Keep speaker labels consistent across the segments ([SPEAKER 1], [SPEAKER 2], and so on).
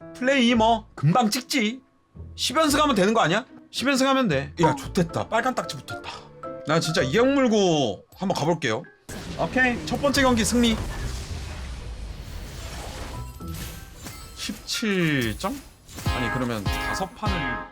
[SPEAKER 1] 플레이 뭐 금방 찍지. 10연승 하면 되는 거 아니야? 10연승 하면 돼. 야 좋댔다. 빨간 딱지 붙었다. 나 진짜 이악 물고 한번 가볼게요. 오케이 첫 번째 경기 승리. 17점? 아니 그러면 5판을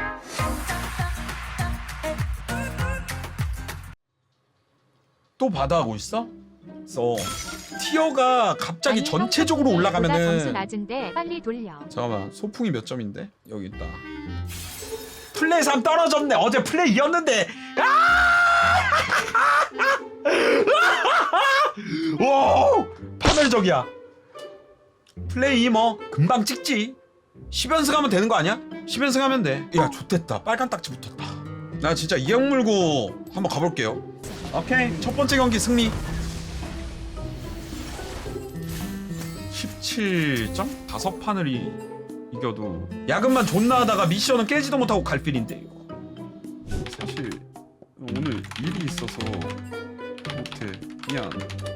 [SPEAKER 1] 또 바다하고 있어? 티어가 갑자기
[SPEAKER 2] 아니,
[SPEAKER 1] 전체적으로
[SPEAKER 2] 점수
[SPEAKER 1] 올라가면은
[SPEAKER 2] 낮은데 빨리 돌려.
[SPEAKER 1] 잠깐만 소풍이 몇 점인데? 여기 있다. 플레이 3 떨어졌네. 어제 플레이 이었는데. 와 파멸적이야. 플레이 뭐 금방 찍지. 10연승 하면 되는 거 아니야? 10연승 하면 돼. 야 좋댔다. 빨간 딱지 붙었다. 나 진짜 이악 물고 한번 가볼게요. 오케이 첫 번째 경기 승리. 17점? 5판을 이겨도 야근만 존나 하다가 미션은 깨지도 못하고 갈 필인데 이거. 사실 오늘 일이 있어서 못해. 미안.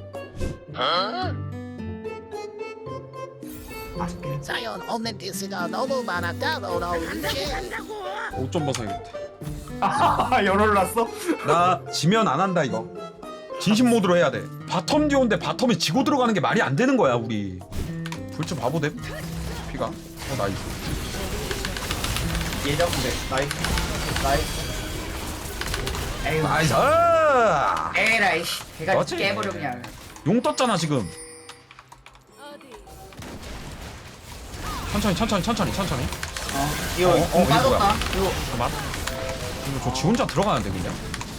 [SPEAKER 3] 자연 없는 디스가 너무 많았다고 나오는지
[SPEAKER 1] 5점 벗어야겠다.
[SPEAKER 4] 아, 열을 났어?
[SPEAKER 1] 나 지면 안 한다 이거. 진심 모드로 해야 돼. 바텀 듀오인데 바텀이 지고 들어가는 게 말이 안 되는 거야 우리. 불츠 바보 됨? 피가? 나이스.
[SPEAKER 4] 예정돼. 나이스. 나이스. 에이,
[SPEAKER 1] 나이스.
[SPEAKER 4] 에라이 씨. 걔가
[SPEAKER 1] 맞지?
[SPEAKER 4] 깨버려 그냥.
[SPEAKER 1] 용 떴잖아 지금. 천천히.
[SPEAKER 4] 이거
[SPEAKER 1] 이거
[SPEAKER 4] 공 빠졌다.
[SPEAKER 1] 뭐야?
[SPEAKER 4] 이거
[SPEAKER 1] 잠깐만. 이거 저 지 혼자 들어가는데 그냥.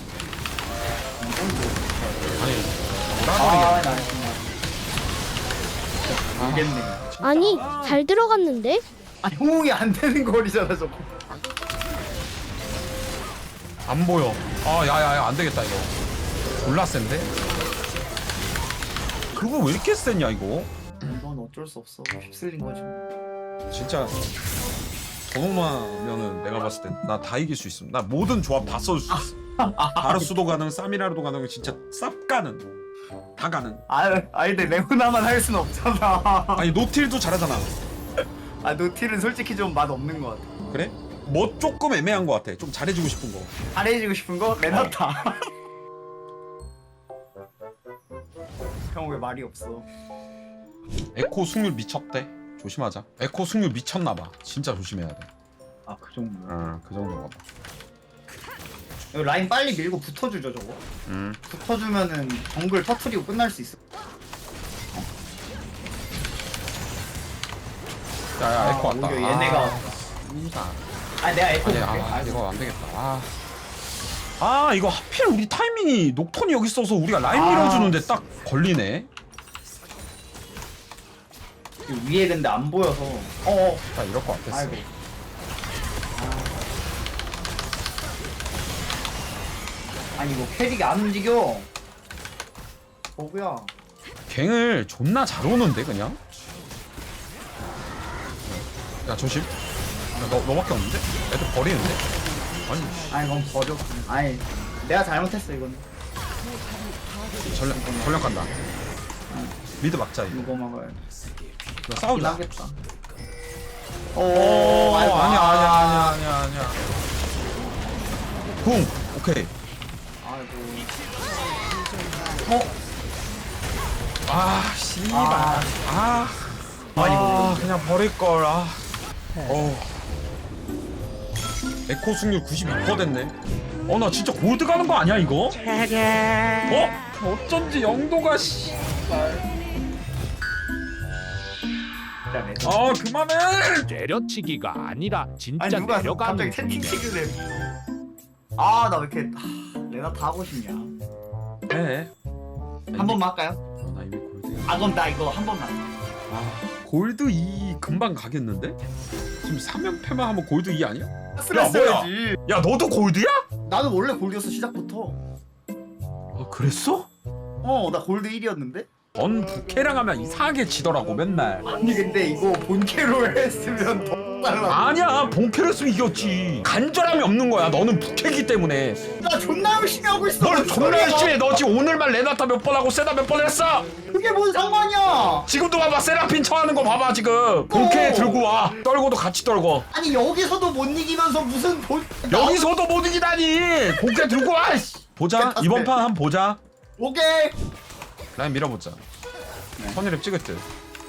[SPEAKER 1] 아니.
[SPEAKER 4] 아,
[SPEAKER 1] 나버리겠네.
[SPEAKER 4] 나이스. 모르겠네.
[SPEAKER 5] 아니 잘 들어갔는데?
[SPEAKER 4] 아니 호응이 안 되는 거리잖아 저거.
[SPEAKER 1] 안 보여. 아, 야야야, 안 되겠다 이거. 졸라 센데? 그거 왜 이렇게 세냐 이거?
[SPEAKER 4] 이건 어쩔 수 없어. 휩쓸린 거지.
[SPEAKER 1] 진짜 저놈만면은 내가 봤을 땐 나 다 이길 수 있음. 나 모든 조합 다 써줄 수 있어. 바르스도 가능, 사미라르도 가능, 진짜 쌉 가능. 다 가능.
[SPEAKER 4] 아니 근데 레오나만 할 순 없잖아.
[SPEAKER 1] 아니 노틸도 잘하잖아.
[SPEAKER 4] 아 노틸은 솔직히 좀 맛 없는 것 같아.
[SPEAKER 1] 그래? 뭐 조금 애매한 것 같아. 좀 잘해주고 싶은 거.
[SPEAKER 4] 잘해주고 싶은 거 레나타. 형 왜 말이 없어?
[SPEAKER 1] 에코 승률 미쳤대. 조심하자. 에코 승률 미쳤나봐. 진짜 조심해야 돼.
[SPEAKER 4] 아 그 정도.
[SPEAKER 1] 그 정도가 봐.
[SPEAKER 4] 이거 라인 빨리 밀고 붙어주죠 저거. 붙어주면은 정글 터트리고 끝날 수 있어.
[SPEAKER 1] 야야 에코 왔다.
[SPEAKER 4] 오히려 얘네가. 아 내가 에코
[SPEAKER 1] 아니
[SPEAKER 4] 볼게.
[SPEAKER 1] 아 이거 안 되겠다. 아 이거 하필 우리 타이밍이 녹턴이 여기 있어서 우리가 라인 밀어주는데 딱 걸리네.
[SPEAKER 4] 위에 근데 안 보여서. 어어.
[SPEAKER 1] 나 이럴 것 같았어.
[SPEAKER 4] 아이고. 아니 이거 캐릭이 안 움직여. 버그야.
[SPEAKER 1] 갱을 존나 잘 오는데 그냥. 야 조심. 야, 너밖에 없는데? 애들 버리는데? 아니
[SPEAKER 4] 아니 그럼 버려. 아니 내가 잘못했어 이건.
[SPEAKER 1] 전략 간다. 미드 막자 이거.
[SPEAKER 4] 이거 먹어야 돼.
[SPEAKER 1] 이거 싸우자.
[SPEAKER 4] 하겠다.
[SPEAKER 1] 오
[SPEAKER 4] 아이고,
[SPEAKER 1] 아니야. 궁 오케이.
[SPEAKER 4] 아이고.
[SPEAKER 1] 아 씨발.
[SPEAKER 4] 아.
[SPEAKER 1] 그냥 버릴 걸. 에코 승률 92% 됐네. 나 진짜 골드 가는 거 아니야 이거? 어쩐지 영도가 그만해.
[SPEAKER 6] 때려치기가 아니라 진짜
[SPEAKER 4] 아니 누가
[SPEAKER 6] 내려가는
[SPEAKER 4] 갑자기 채팅 치길래. 아 나 왜 이렇게 레나 다 하고 싶냐.
[SPEAKER 1] 해.
[SPEAKER 4] 한 번만 할까요?
[SPEAKER 1] 나 이미 골드야.
[SPEAKER 4] 아 그럼 나 이거 한 번만.
[SPEAKER 1] 골드 2 금방 가겠는데? 지금 3연패만 하면 골드 2 아니야?
[SPEAKER 4] 했어야지.
[SPEAKER 1] 야 너도 골드야?
[SPEAKER 4] 나는 원래 골드였어 시작부터.
[SPEAKER 1] 그랬어?
[SPEAKER 4] 나 골드 1이었는데?
[SPEAKER 1] 넌 부캐랑 하면 이상하게 지더라고 맨날.
[SPEAKER 4] 아니 근데 이거 본캐로 했으면 더 달라.
[SPEAKER 1] 아니야 본캐를 쓰면 이겼지. 간절함이 없는 거야. 너는 부캐기 때문에.
[SPEAKER 4] 나 존나 열심히 하고 있어.
[SPEAKER 1] 뭘
[SPEAKER 4] 뭔
[SPEAKER 1] 존나
[SPEAKER 4] 소리야.
[SPEAKER 1] 열심히 해. 너 지금 오늘만 레나타 몇 번 하고 세다 몇 번 했어?
[SPEAKER 4] 그게 뭔 상관이야?
[SPEAKER 1] 지금도 봐봐 세라핀 처하는 거 봐봐 지금. 본캐 들고 와. 떨고도 같이 떨고.
[SPEAKER 4] 아니 여기서도 못 이기면서 무슨 본
[SPEAKER 1] 여기서도 못 이기다니. 본캐 들고 와. 씨. 보자. 이번 판 한번 보자.
[SPEAKER 4] 오케이.
[SPEAKER 1] 라인 밀어보자. 선이랩 찍을 듯.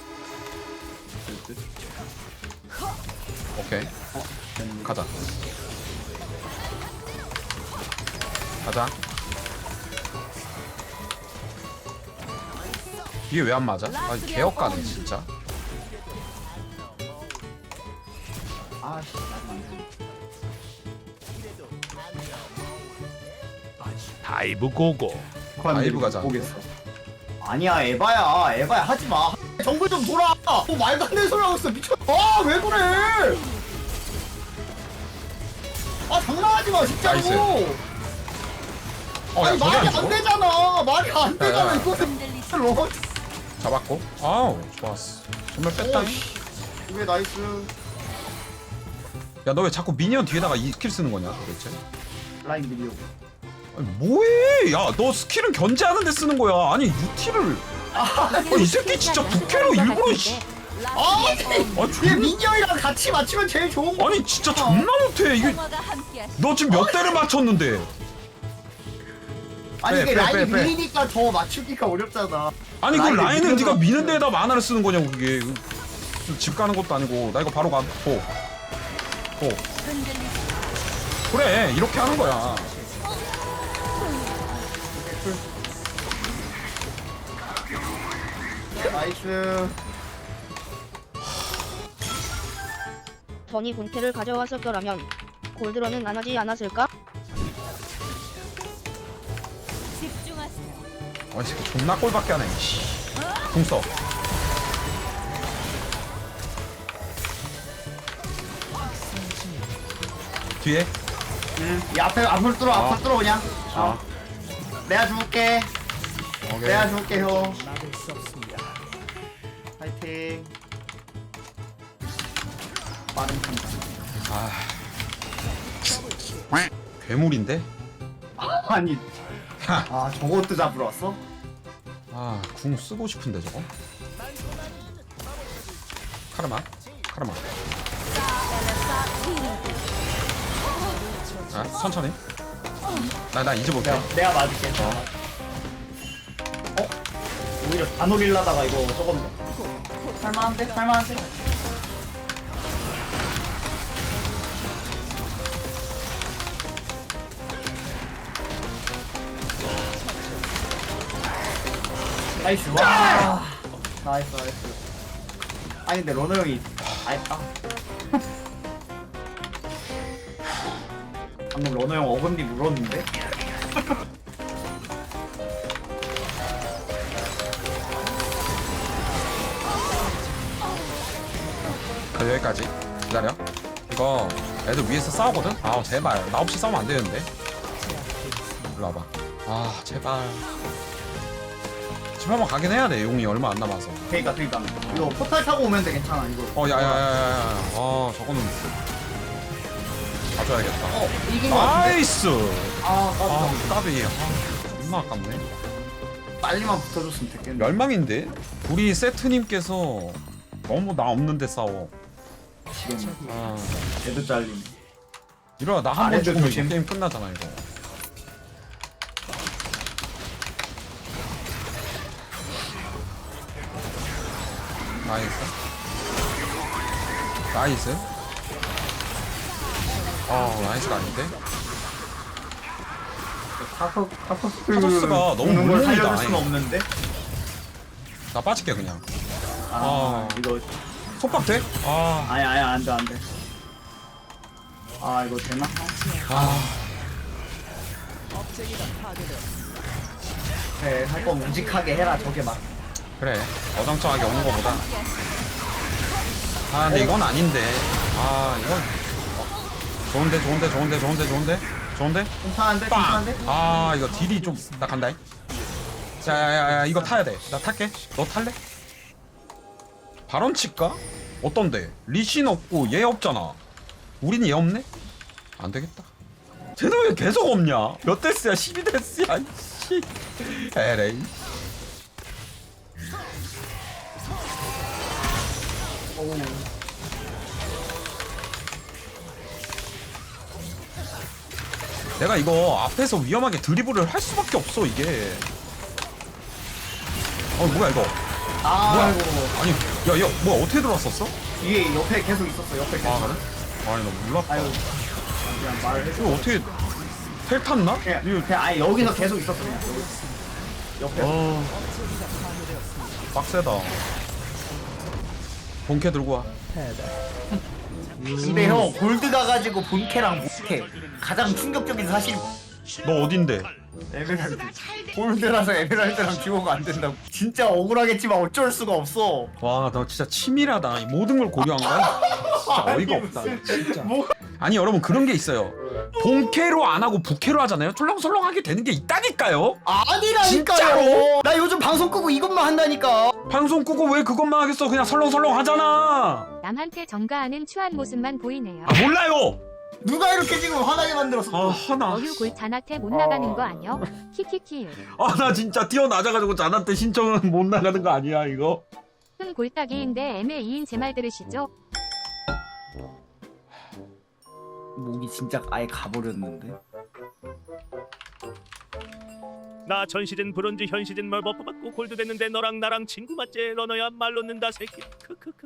[SPEAKER 1] 오케이. 가자. 가자. 이게 왜 안 맞아? 아 개역가네 진짜.
[SPEAKER 4] 아씨
[SPEAKER 6] 다이브 고고.
[SPEAKER 1] 라이브 가자.
[SPEAKER 4] 보겠어. 아니야 에바야 하지 마. 정글 좀 돌아. 뭐 말도 안 되는 소리 하고 있어 미쳐. 아왜 그래? 아 장난하지 마 진짜로.
[SPEAKER 1] 나이스. 야
[SPEAKER 4] 아니
[SPEAKER 1] 저게
[SPEAKER 4] 말이
[SPEAKER 1] 안
[SPEAKER 4] 안
[SPEAKER 1] 죽어?
[SPEAKER 4] 되잖아. 말이 안 되잖아
[SPEAKER 1] 야.
[SPEAKER 4] 이거는. 로
[SPEAKER 1] 잡았고. 아우 좋았어. 정말 뺐다.
[SPEAKER 4] 왜 나이스.
[SPEAKER 1] 야 너 왜 자꾸 미니언 뒤에다가 이 스킬 쓰는 거냐 도대체?
[SPEAKER 4] 라인 미디어.
[SPEAKER 1] 아니 뭐해? 야 너 스킬은 견제하는 데 쓰는 거야. 아니 유티를. 이 새끼 진짜 부캐로 일부러 씨.
[SPEAKER 4] 아
[SPEAKER 1] 아
[SPEAKER 4] 얘
[SPEAKER 1] 존.
[SPEAKER 4] 민영이랑 같이 맞추면 제일 좋은 거.
[SPEAKER 1] 아니 진짜 존나 못해. 이게 너 지금 몇 대를 맞췄는데?
[SPEAKER 4] 아니 이게
[SPEAKER 1] 빼,
[SPEAKER 4] 라인
[SPEAKER 1] 빼, 빼.
[SPEAKER 4] 밀리니까 더 맞추기가 어렵잖아.
[SPEAKER 1] 아니 그
[SPEAKER 4] 라인을
[SPEAKER 1] 라인을 네가
[SPEAKER 4] 밀어서-
[SPEAKER 1] 미는 데에다 만화를 쓰는 거냐고 그게. 집 가는 것도 아니고. 나 이거 바로 가. 보. 그래 이렇게 하는 거야.
[SPEAKER 4] 나이스.
[SPEAKER 2] 전이 본캐를 가져왔었더라면 골드런은 안 하지 않았을까?
[SPEAKER 1] 아 새끼 존나 꼴밖에 안 해. 씨. 궁 써. 뒤에.
[SPEAKER 4] 이 앞을 뚫어 앞을 뚫어 그냥.
[SPEAKER 1] 아.
[SPEAKER 4] 내가 죽을게.
[SPEAKER 1] 오케이.
[SPEAKER 4] 내가 죽을게 형. 파이팅. 빠른 판단.
[SPEAKER 1] 괴물인데?
[SPEAKER 4] 아니.
[SPEAKER 1] 하.
[SPEAKER 4] 아 저것도 잡으러 왔어?
[SPEAKER 1] 아, 궁 쓰고 싶은데 저거. 카르마. 아, 천천히. 나 이제 볼게.
[SPEAKER 4] 내가 맞을게. 오히려 다 노릴라다가 이거 저거는 살만한데? 나이스. 와. 나이스. 아니 근데 러너 형이 다 했다. 방금 러너 형 어금니 물었는데?
[SPEAKER 1] 여기까지. 기다려. 이거 애들 위에서 싸우거든? 아, 제발. 나 없이 싸우면 안 되는데. 일로 와봐. 아, 제발. 집 한번 가긴 해야 돼. 용이 얼마 안 남아서.
[SPEAKER 4] 그니까 이거 포탈 타고 오면 돼 괜찮아 이거.
[SPEAKER 1] 야야야야야. 아, 저거는 가져야겠다.
[SPEAKER 4] 이긴 거 같은데?
[SPEAKER 1] 나이스.
[SPEAKER 4] 아
[SPEAKER 1] 아,
[SPEAKER 4] 깜짝
[SPEAKER 1] 까비. 존나 아깝네.
[SPEAKER 4] 빨리만 붙어줬으면 됐겠네.
[SPEAKER 1] 멸망인데? 우리 세트님께서 너무 나 없는데 싸워.
[SPEAKER 4] 지금
[SPEAKER 1] 아,
[SPEAKER 4] 얘도 잘리네.
[SPEAKER 1] 이러다 나 한 번
[SPEAKER 4] 아래도
[SPEAKER 1] 죽으면 이거
[SPEAKER 4] 조심.
[SPEAKER 1] 게임 끝나잖아 이거. 나이스. 나이스가 아닌데? 카서스가 너무
[SPEAKER 4] 걸
[SPEAKER 1] 물론이다,
[SPEAKER 4] 살려줄 수는
[SPEAKER 1] 아니.
[SPEAKER 4] 없는데.
[SPEAKER 1] 나 빠질게 그냥.
[SPEAKER 4] 이거
[SPEAKER 1] 속박 돼?
[SPEAKER 4] 아니 안돼. 아 이거 되나? 그래 할 건 우직하게 해라 저게 막.
[SPEAKER 1] 그래. 어정쩡하게 오는 거보다. 근데 이건 아닌데. 이건 좋은데.
[SPEAKER 4] 괜찮은데?
[SPEAKER 1] 빵. 이거 딜이 좀 나 간다. 자야야야 이거 타야 돼나 탈게 너 탈래? 발언 칠까? 어떤데? 리신 없고 얘 없잖아 우린 얘 없네? 안 되겠다 쟤는 왜 계속 없냐? 몇 데스야? 12데스야 씨 에레이 내가 이거 앞에서 위험하게 드리블을 할 수밖에 없어 이게 뭐야 이거
[SPEAKER 4] 아이고.
[SPEAKER 1] 아니 야야 뭐야 어떻게 들어왔었어?
[SPEAKER 4] 이게 옆에 계속 있었어. 옆에 계속.
[SPEAKER 1] 아 그래? 아니 나 몰랐다
[SPEAKER 4] 아유. 그냥 말해줘.
[SPEAKER 1] 이거 어떻게 텔 탔나?
[SPEAKER 4] 그냥 아예 여기서 계속 있었어. 그냥. 옆에.
[SPEAKER 1] 빡세다 본캐 들고 와
[SPEAKER 4] 근데 형 골드 가가지고 본캐랑 못캐 가장 충격적인 사실
[SPEAKER 1] 너 어딘데?
[SPEAKER 4] 에메랄드 골드라서 에메랄드랑 듀오가 안 된다고 진짜 억울하겠지만 어쩔 수가 없어.
[SPEAKER 1] 와 너 진짜 치밀하다 이 모든 걸 고려한 거야? 진짜 어이가 없다 진짜
[SPEAKER 4] 뭐
[SPEAKER 1] 아니 여러분 그런 게 있어요 본캐로 안 하고 부캐로 하잖아요 쫄렁설렁하게 되는 게 있다니까요
[SPEAKER 4] 아니라니까요.
[SPEAKER 1] 진짜로?
[SPEAKER 4] 나 요즘 방송 끄고 이것만 한다니까.
[SPEAKER 1] 방송 끄고 왜 그것만 하겠어 그냥 설렁설렁 하잖아
[SPEAKER 7] 남한테 전가하는 추한 모습만 보이네요.
[SPEAKER 1] 아 몰라요
[SPEAKER 4] 누가 이렇게 지금 화나게 만들었어.
[SPEAKER 1] 아 하나
[SPEAKER 7] 어휴 골 잔한테 못 나가는 거 아니여? 키키키.
[SPEAKER 1] 아 나 진짜 뛰어나자가지고 자한테 신청은 못 나가는 거 아니야 이거?
[SPEAKER 7] 흠 골딱이인데 애매 2인 제 말 들으시죠?
[SPEAKER 4] 목이 진짜 아예 가버렸는데.
[SPEAKER 6] 나 전 시즌 브론즈 현 시즌 뭘 버프 받고 골드 됐는데 너랑 나랑 친구 맞지? 러너야 말 놓는다 새끼. 크크크.